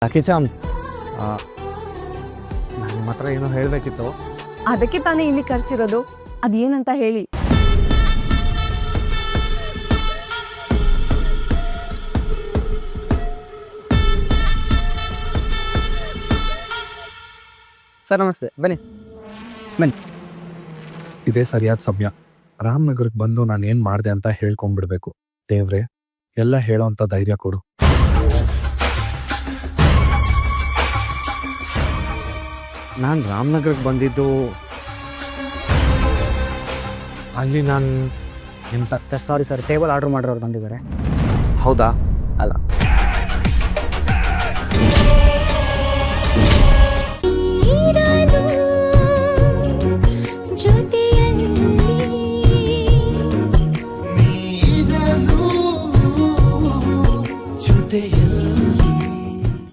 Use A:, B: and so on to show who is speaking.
A: ಕಿಚಾಮ್ ನಾನು ನಿಮ್ಮ ಹತ್ರ ಏನೋ ಹೇಳಬೇಕಿತ್ತು.
B: ಅದಕ್ಕೆ ತಾನೇ ಇಲ್ಲಿ ಕರೆಸಿರೋದು. ಅದೇನಂತ ಹೇಳಿ.
A: ಸರ್ ನಮಸ್ತೆ, ಬನ್ನಿ.
C: ಇದೇ ಸರಿಯಾದ ಸಮಯ. ರಾಮನಗರಕ್ಕೆ ಬಂದು ನಾನು ಏನು ಮಾಡಿದೆ ಅಂತ ಹೇಳ್ಕೊಂಡ್ಬಿಡ್ಬೇಕು. ದೇವ್ರೆ, ಎಲ್ಲ ಹೇಳೋಂಥ ಧೈರ್ಯ ಕೊಡು.
A: ನಾನು ರಾಮನಗರಕ್ಕೆ ಬಂದಿದ್ದು ಅಲ್ಲಿ ನಾನು ನಿಮ್ಮ
D: ಸಾರಿ ಸರ್, ಟೇಬಲ್ ಆರ್ಡರ್ ಮಾಡಿರೋರು ಬಂದಿದ್ದಾರೆ.
A: ಹೌದಾ?
D: ಅಲ್ಲ,